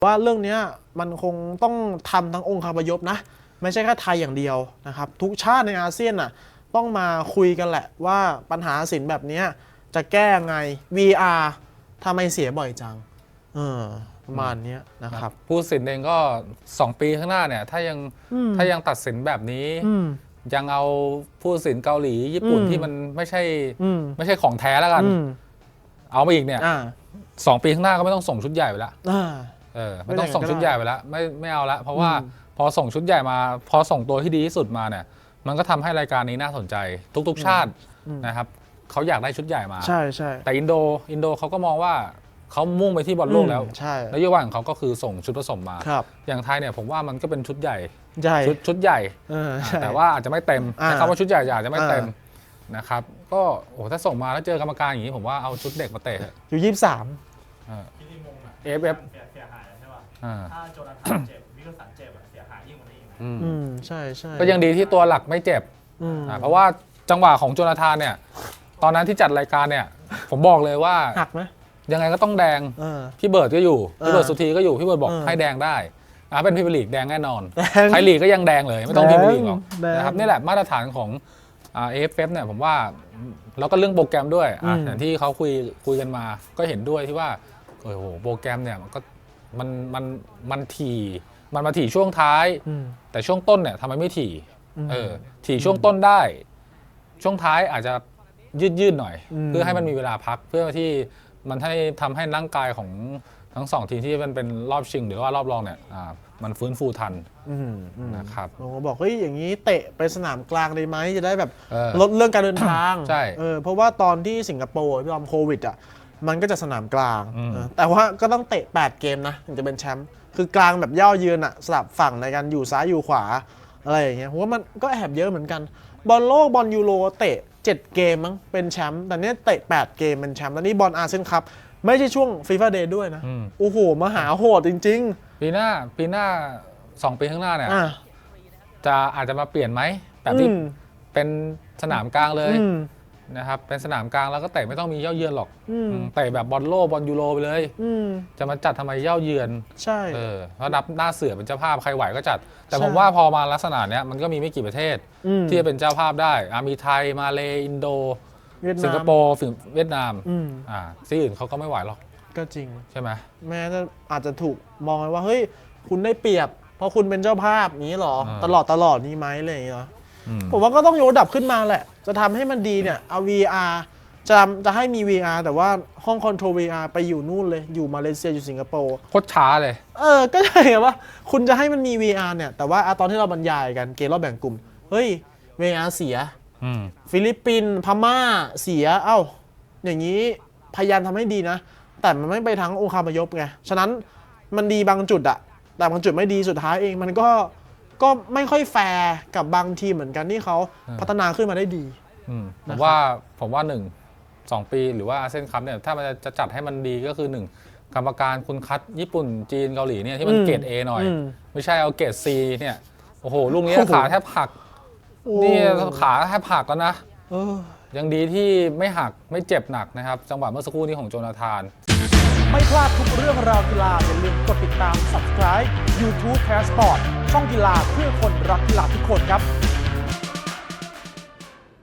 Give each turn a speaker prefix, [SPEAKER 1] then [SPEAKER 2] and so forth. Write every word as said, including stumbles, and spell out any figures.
[SPEAKER 1] ว่าเรื่องนี้มันคงต้องทำทั้งองค์คาพยพนะไม่ใช่แค่ไทยอย่างเดียวนะครับทุกชาติในอาเซียนน่ะต้องมาคุยกันแหละว่าปัญหาสินแบบนี้จะแก้ไง วี อาร์ ทำไมเสียบ่อยจังเออประมาณนี้นะครับ
[SPEAKER 2] ผู้ตัดสินเองก็สองปีข้างหน้าเนี่ยถ้ายังถ้ายังตัดสินแบบนี้ยังเอาผู้ตัดสินเกาหลีญี่ปุ่นที่มันไม่ใช่ไม่ใช่ของแท้แล้วกันเอามาอีกเนี่ยสองปีข้างหน้าก็ไม่ต้องส่งชุดใหญ่ไปละเออไม่ต้องส่งชุดใหญ่ไปละไม่ไม่เอาละเพราะว่าพอส่งชุดใหญ่มาพอส่งตัวที่ดีที่สุดมาเนี่ยมันก็ทำให้รายการนี้น่าสนใจทุกๆชาตินะครับเขาอยากได้ชุดใหญ่มา
[SPEAKER 1] ใช่ใช่
[SPEAKER 2] แต่อินโดอินโดเขาก็มองว่าเขามุ่งไปที่บอลโลกแล้วนโยบายของเขาก็คือส่งชุดผสมมาอย่างไทยเนี่ยผมว่ามันก็เป็นชุดใหญ่ชุดชุดใหญ่แต่ว่าอาจจะไม่เต็มแต่คำว่าชุดใหญ่อาจจะไม่เต็มนะครับก็โอ้ถ้าส่งมาแล้วเจอกรรมการอย่างนี้ผมว่าเอาชุดเด็กมาเตะ
[SPEAKER 1] อยู่ยี่สิบสาม
[SPEAKER 2] เอฟเอฟ
[SPEAKER 3] เสียหายใช่ป่ะถ้าโจนาธานเจ็บวิลสันเจ็บเสียหายยิ่งกว่านี้อีก
[SPEAKER 1] อืมใช่ใช่
[SPEAKER 2] ก็ยังดีที่ตัวหลักไม่เจ็บเพราะว่าจังหวะของโจนาธานเนี่ยตอนนั้นที่จัดรายการเนี่ยผมบอกเลยว่า
[SPEAKER 1] หักไหม
[SPEAKER 2] ยังไงก็ต้องแดงพี่เบิร์ดก็อยู่พี่เบิร์ดสุธีก็อยู่พี่เบิร์ดบอกให้แดงได้เป็นพรีเมียร์ลีกแดงแน่นอนไทยลีกก็ยังแดงเลยไม่ต้องพรีเมียร์ลีกหรอกนะครับนี่แหละมาตรฐานของเอฟเอฟเนี่ยผมว่าแล้วก็เรื่องโปรแกรมด้วยอย่างที่เขาคุยคุยกันมาก็เห็นด้วยที่ว่าโอ้โหโปรแกรมเนี่ยมันก็มันมันมันถี่มันมาถี่ช่วงท้ายแต่ช่วงต้นเนี่ยทำไมไม่ถี่เออถี่ช่วงต้นได้ช่วงท้ายอาจจะยืดยืดหน่อยเพื่อให้มันมีเวลาพักเพื่อที่มันให้ทำให้ร่างกายของทั้งสองทีมที่มันเป็นรอบชิงหรือว่ารอบรองเนี่ยมันฟื้นฟูทันนะครับ
[SPEAKER 1] ผมก็บอกเฮ้ยอย่างนี้เตะไปสนามกลางได้ไหมจะได้แบบลดเรื่องการเดินทาง
[SPEAKER 2] ใช่
[SPEAKER 1] เออเพราะว่าตอนที่สิงคโปร์พี่อมโควิดอ่ะมันก็จะสนามกลางแต่ว่าก็ต้องเตะแปดเกมนะถึงจะเป็นแชมป์คือกลางแบบย่อเยือนอ่ะสลับฝั่งในการอยู่ซ้ายอยู่ขวาอะไรอย่างเงี้ยผมว่ามันก็แอบเยอะเหมือนกันบอลโลกบอลยูโรเตะเจ็ดเกมมั้งเป็นแชมป์แต่เนี้ยเตะแปดเกมเป็นแชมป์แล้วนี่บอลอาเซียนคัพไม่ใช่ช่วงฟีฟ่าเดย์ด้วยนะโอ้โหมหาโหดจริง
[SPEAKER 2] ๆปีหน้าปีหน้าสองปีข้างหน้าเนี่ยจะอาจจะมาเปลี่ยนไหมแบบที่เป็นสนามกลางเลยนะครับเป็นสนามกลางแล้วก็เตะไม่ต้องมีเย้าเยือนหรอกเตะแบบบอลโลกบอลยูโรไปเลยจะมาจัดทำไมเย้าเยือน
[SPEAKER 1] ใช่
[SPEAKER 2] เออแล้วนับหน้าเสือเป็นเจ้าภาพใครไหวก็จัดแต่ผมว่าพอมาลักษณะเนี้ยมันก็มีไม่กี่ประเทศที่จะเป็นเจ้าภาพได้มีไทยมาเลอินโดสิงคโปร์เวียดนามอ่าที่อื่นเขาก็ไม่ไหวหรอก
[SPEAKER 1] ก็จริง
[SPEAKER 2] ใช่ไหม
[SPEAKER 1] แม้จะอาจจะถูกมองว่าเฮ้ยคุณได้เปรียบเพราะคุณเป็นเจ้าภาพนี้หรอตลอดตลอดนี้ไหมอะไรอย่างเงี้ยผมว่าก็ต้องยกระดับขึ้นมาแหละจะทำให้มันดีเนี่ยเอา วี อาร์ จะจะให้มี วี อาร์ แต่ว่าห้องคอนโทรล วี อาร์ ไปอยู่นู่นเลยอยู่มาเลเซียอยู่สิงคโปร์
[SPEAKER 2] โคตรช้าเลย
[SPEAKER 1] เออก็ใช่ไงว่าคุณจะให้มันมี วี อาร์ เนี่ยแต่ว่าตอนที่เราบรรยายกันเกมรอบแบ่งกลุ่มเฮ้ย วี อาร์ เสียฟิลิปปินส์พม่าเสียเอ้าอย่างนี้พยายามทำให้ดีนะแต่มันไม่ไปทั้งองค์คาพยพไงฉะนั้นมันดีบางจุดอะแต่บางจุดไม่ดีสุดท้ายเองมันก็ก็ไม่ค่อยแฟร์กับบางทีมเหมือนกันที่เขาพัฒนาขึ้นมาได้ดี
[SPEAKER 2] ผมว่าผมว่าหนึ่งสองปีหรือว่าอาเซียนคัพเนี่ยถ้ามันจะจัดให้มันดีก็คือหนึ่งกรรมการคุณคัดญี่ปุ่นจีนเกาหลีเนี่ยที่มันเกรด A หน่อยไม่ใช่เอาเกรด C เนี่ยโอ้โหลูกนี้ขาแทบหักนี่ขาแทบหักแล้วนะยังดีที่ไม่หักไม่เจ็บหนักนะครับจังหวะเมื่อสักครู่นี้ของโจนาธาน
[SPEAKER 1] ไม่พลาดทุกเรื่องราวกีฬาอย่าลืมกดติดตาม Subscribe YouTube Passport ช่องกีฬาเพื่อคนรักกีฬาทุกคนครับ